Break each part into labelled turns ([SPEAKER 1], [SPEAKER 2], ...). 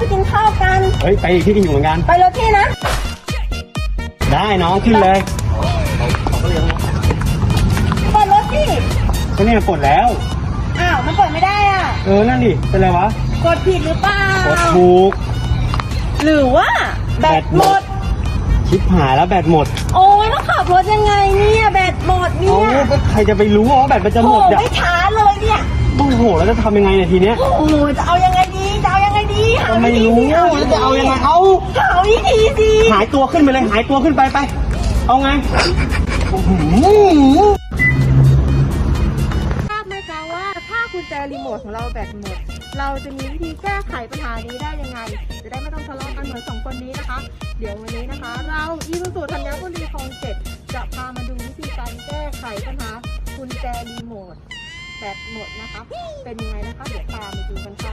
[SPEAKER 1] กินข้าวกัน
[SPEAKER 2] เฮ้ยไปอีกที่กินอยู่เหมือนกัน
[SPEAKER 1] ไปรถพี่นะ
[SPEAKER 2] ได้น้องขึ้นเลย
[SPEAKER 1] เปิดรถพี่
[SPEAKER 2] ก็เนี่ยกดแล้ว
[SPEAKER 1] อ้าวมันเปิดไม่ได้อ่ะ
[SPEAKER 2] นั่นดิเป็นไรวะ
[SPEAKER 1] กดผิดหรือเปล่าก
[SPEAKER 2] ดถูก
[SPEAKER 1] หรือว่าแบตหมด
[SPEAKER 2] ชิบหายแล้วแบตหมด
[SPEAKER 1] โอ้ยต้องขับรถยังไงเนี่ยแบตหมดเนี่ย
[SPEAKER 2] ก็ใครจะไปรู้ว่าแบตมันจะหมด
[SPEAKER 1] ไม่ช้าเลยเนี่ย
[SPEAKER 2] โอ้โหแล้วจะทำยังไงเนี่ยทีเนี้ย
[SPEAKER 1] โอ้โหจะเอายังไงดี
[SPEAKER 2] ก็ไม่รู้แล้วจะเอายังไงหา
[SPEAKER 1] วิธีสิ
[SPEAKER 2] หายตัวขึ้นไปเลยหายตัวขึ้นไปเอาไง
[SPEAKER 1] ทราบไหมคะว่าถ้ากุญแจรีโมทของเราแบตหมดเราจะมีวิธีแก้ไขปัญหานี้ได้ยังไงจะได้ไม่ต้องทะเลาะกันเหมือน2 คนนี้นะคะเดี๋ยววันนี้นะคะเราอีซูซูธัญบุรีคลอง 7จะพามาดูวิธีการแก้ไขปัญหากุญแจรีโมทแบตหมดนะคะเป็นยังไงนะคะเดี๋ยวตามไปดูกันค่ะ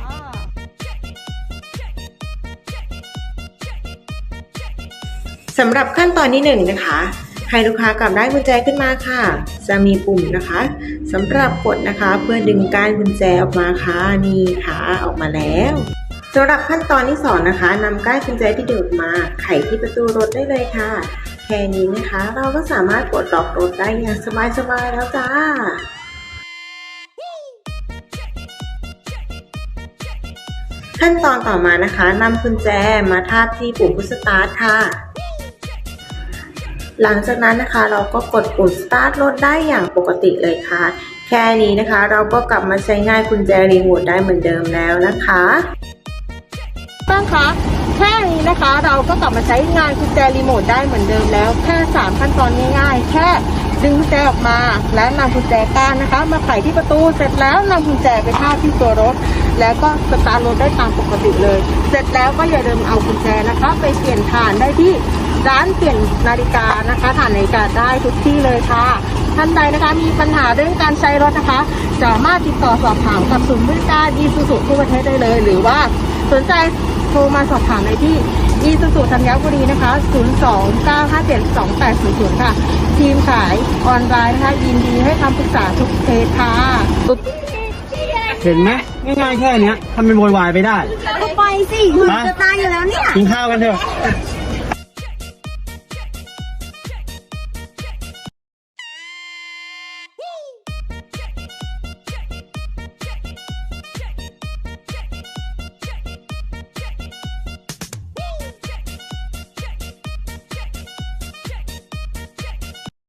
[SPEAKER 3] สำหรับขั้นตอนที่1นะคะให้ลูกค้ากลับได้กุญแจขึ้นมาค่ะจะมีปุ่มนะคะสำหรับกดนะคะเพื่อดึงก้านกุญแจออกมาค่ะนี่ค่ะออกมาแล้วสำหรับขั้นตอนที่2นะคะนำก้านกุญแจที่ดึงออกมาไขที่ประตูรถได้เลยค่ะแค่นี้นะคะเราก็สามารถปลดล็อกรถได้อย่างสบายๆแล้วจ้าขั้นตอนต่อมานะคะนำกุญแจมาทาบที่ปุ่มพุชสตาร์ทค่ะหลังจากนั้นนะคะเราก็กดปุ่มสตาร์ทรถได้อย่างปกติเลยค่ะแค่นี้นะคะเราก็กลับมาใช้งานกุญแจรีโมทได้เหมือนเดิมแล้วนะคะ
[SPEAKER 1] ตั้งคะแค่นี้นะคะเราก็กลับมาใช้งานกุญแจรีโมทได้เหมือนเดิมแล้วแค่3ขั้นตอนง่ายๆแค่ดึงกุญแจออกมาและนำกุญแจก้านนะคะมาไขที่ประตูเสร็จแล้วนำกุญแจไปทาบที่ตัวรถแล้วก็สตาร์ทรถได้ตามปกติเลยเสร็จแล้วก็อย่าลืมเอากุญแจนะคะไปเปลี่ยนถ่านได้ที่ร้านเปลี่ยนนาฬิกานะคะถ่านนาฬิกาได้ทุกที่เลยค่ะท่านใดนะคะมีปัญหาเรื่องการใช้รถนะคะสามารถติดต่อสอบถามกับศูนย์บริการอีซูซูทั่วประเทศได้เลยหรือว่าสนใจโทรมาสอบถามในที่อีซูซูธัญบุรีนะคะ029572800ค่ะทีมขายออนไลน์นะคะยินดีให้คำปรึกษาทุกเคสค่ะ
[SPEAKER 2] เห็นไหมง่ายๆแค่นี้ทำเป็นโวยวายไปได้
[SPEAKER 1] ก็ไปสิหนูจะตายอยู่แล้วเนี่ย
[SPEAKER 2] กินข้าวกันเถอะ